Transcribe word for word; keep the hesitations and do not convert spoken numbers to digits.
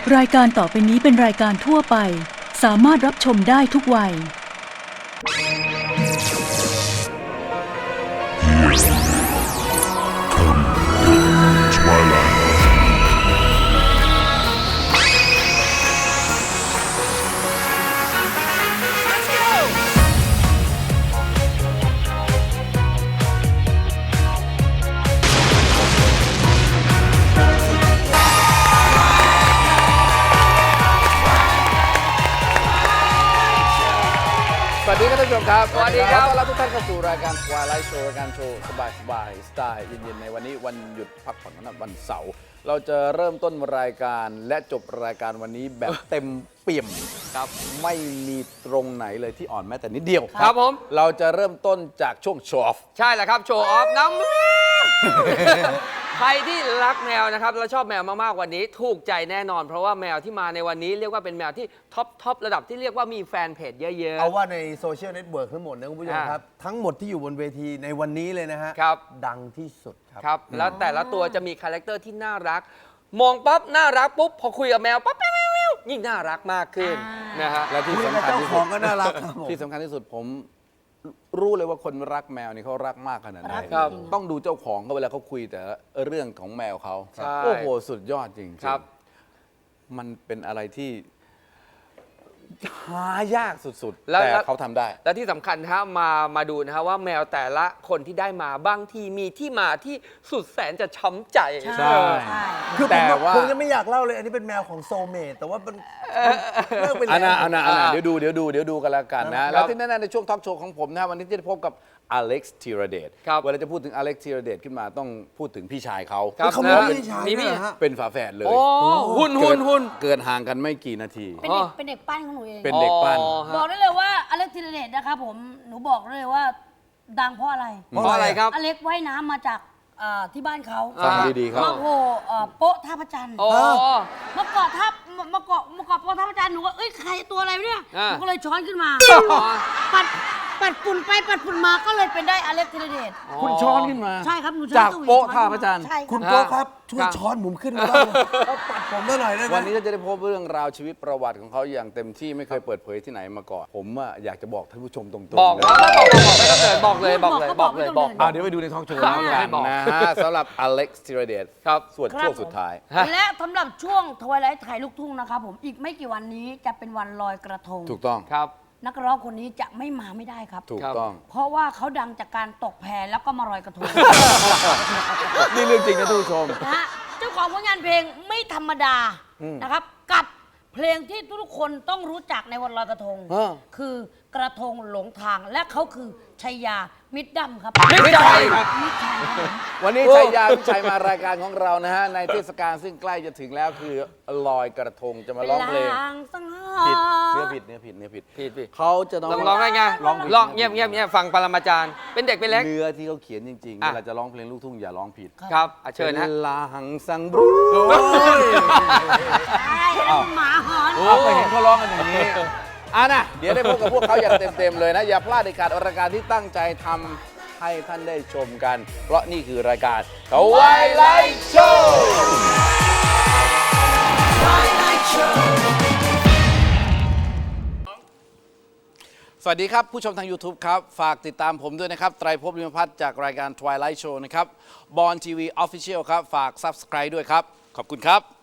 รายการต่อไปนี้เป็นรายการทั่วไปสามารถรับชมได้ทุกวัยสวัสดีครับท่านผู้ชมครับสวัสดีครับต้อนรับทุกท่านเข้าสู่รายการ Twilight Show รายการโชว์สบายๆสไตล์เย็นๆในวันนี้วันหยุดพักผ่อนวันวันเสาร์เราจะเริ่มต้นรายการและจบรายการวันนี้แบบเต็มเปี่ยมครับไม่มีตรงไหนเลยที่อ่อนแม้แต่นิดเดียวครับผมเราจะเริ่มต้นจากช่วงโชว์ออฟใช่แหละครับโชว์ออฟน้ำใครที่รักแมวนะครับแล้วชอบแมวมากๆวันนี้ถูกใจแน่นอนเพราะว่าแมวที่มาในวันนี้เรียกว่าเป็นแมวที่ท็อปท็อประดับที่เรียกว่ามีแฟนเพจเยอะๆเอาว่าในโซเชียลเน็ตเวิร์กทั้งหมดนะคุณผู้ชมครับทั้งหมดที่อยู่บนเวทีในวันนี้เลยนะฮะครับดังที่สุดครับครับแล้วแต่ละตัวจะมีคาแรคเตอร์ที่น่ารักมองปั๊บน่ารักปุ๊บพอคุยกับแมวปั๊บแมวยิ่งน่ารักมากขึ้นนะฮะและที่สำคัญที่สุดก็น่ารักที่สำคัญที่สุดผมรู้เลยว่าคนรักแมวนี่เขารักมากขนาดไหนต้องดูเจ้าของเขาเวลาเขาคุยแต่เรื่องของแมวเขาโอ้โหสุดยอดจริงๆครับมันเป็นอะไรที่หายากสุดๆแต่เขาทำได้และที่สำคัญนะฮะมามาดูนะฮะว่าแมวแต่ละคนที่ได้มาบางทีมีที่มาที่สุดแสนจะช้ำใจใช่คือแต่ว่าผมยังไม่อยากเล่าเลยอันนี้เป็นแมวของโซเมตแต่ว่ามันเลิกไปแล้วอันน่ะอันน่ะอันน่ะเดี๋ยวดูเดี๋ยวดูเดี๋ยวดูกันแล้วกันนะแล้วที่แน่ๆในช่วงทอล์กโชว์ของผมนะวันนี้จะพบกับอเล็กซ์ธีรเดชเวลาจะพูดถึงอเล็กซ์ธีรเดชขึ้นมาต้องพูดถึงพี่ชายเขาเขาเป็นพี่ชายเป็นฝาแฝดเลยหุ่นหุ่นหุ่นเกิดห่างกันไม่กี่นาทีเป็นเด็กเป็นเด็กปั้นของหนูเองเป็นเด็กปั้นบอกได้เลยว่าอเล็กธีรเดชนะครับผมหนูบอกเลยว่าดังเพราะอะไรเพราะอะไรครับอเล็กว่ายน้ำมาจากที่บ้านเขาฟังดีๆครับมาโผล่โป๊ะท่าพระจันทร์มาเกาะท่ามาเกาะมาเกาะโป๊ะท่าพระจันทร์หนูก็เอ้ยใครตัวอะไรเนี่ยหนูก็เลยช้อนขึ้นมาปัดปัดฝุ่นไปปัดฝุ่นมาก็เลยเป็นได้อเล็กธีรเดชคุณช้อนขึ้นมาใช่ครับหนูจากโป๊ะท่าพระจันทร์คุณโป๊ะครับช่วยช้อนผมขึ้นมาบ้างปัดผมหน่อยได้ไหมวันนี้จะได้พบเรื่องราวชีวิตประวัติของเขาอย่างเต็มที่ไม่เคยเปิดเผยที่ไหนมาก่อนผมอยากจะบอกท่านผู้ชมตรงๆบอกแล้วบอกเลยบอกเลยบอกเลยบอกเดี๋ยวไปดูในทอล์กโชว์แล้วกันนะฮะสำหรับอเล็กซ์ธีรเดชครับส่วนช่วงสุดท้ายและสำหรับช่วงทวายไลท์ถ่ายลูกทุ่งนะครับผมอีกไม่กี่วันนี้จะเป็นวันลอยกระทงถูกต้องครับนักร้องคนนี้จะไม่มาไม่ได้ครับถูกต้องเพราะว่าเขาดังจากการตกแพแล้วก็มาลอยกระทงนี่เรื่องจริงนะทุกผู้ชมนะเจ้าของผลงานเพลงไม่ธรรมดานะครับกับเพลงที่ทุกคนต้องรู้จักในวันลอยกระทงคือกระทงหลงทางและเขาคือชัยยามิตรดำครับมิตรชัยครับวันนี้ชัยยามิตรชัยมารายการของเรานะฮะในเทศกาลซึ่งใกล้จะถึงแล้วคือลอยกระทงจะมาร้องเพลงผิดเนื้อผิดเนื้อผิดเนื้อผิดผิดผิดเขาจะร้องร้องได้ไงร้องร้องเงียบเงียบเงียบฟังปรมาจารย์เป็นเด็กเป็นเล็กเนื้อที่เขาเขียนจริงๆเวลาจะร้องเพลงลูกทุ่งอย่าร้องผิดครับเชิญฮะลาหังสังบรูใช่หมาหอนเอาไปเห็นเขาร้องกันอย่างนี้อ่ะนะเดี๋ยวได้พบกับพวกเขาอย่างเต็มๆเลยนะอย่าพลาดในการรายการที่ตั้งใจทำให้ท่านได้ชมกันเพราะนี่คือรายการ Twilight Show สวัสดีครับผู้ชมทาง YouTube ครับฝากติดตามผมด้วยนะครับไตรภพ ลิมพัฒน์จากรายการ Twilight Show นะครับบอลทีวี Official ครับฝาก Subscribe ด้วยครับขอบคุณครับ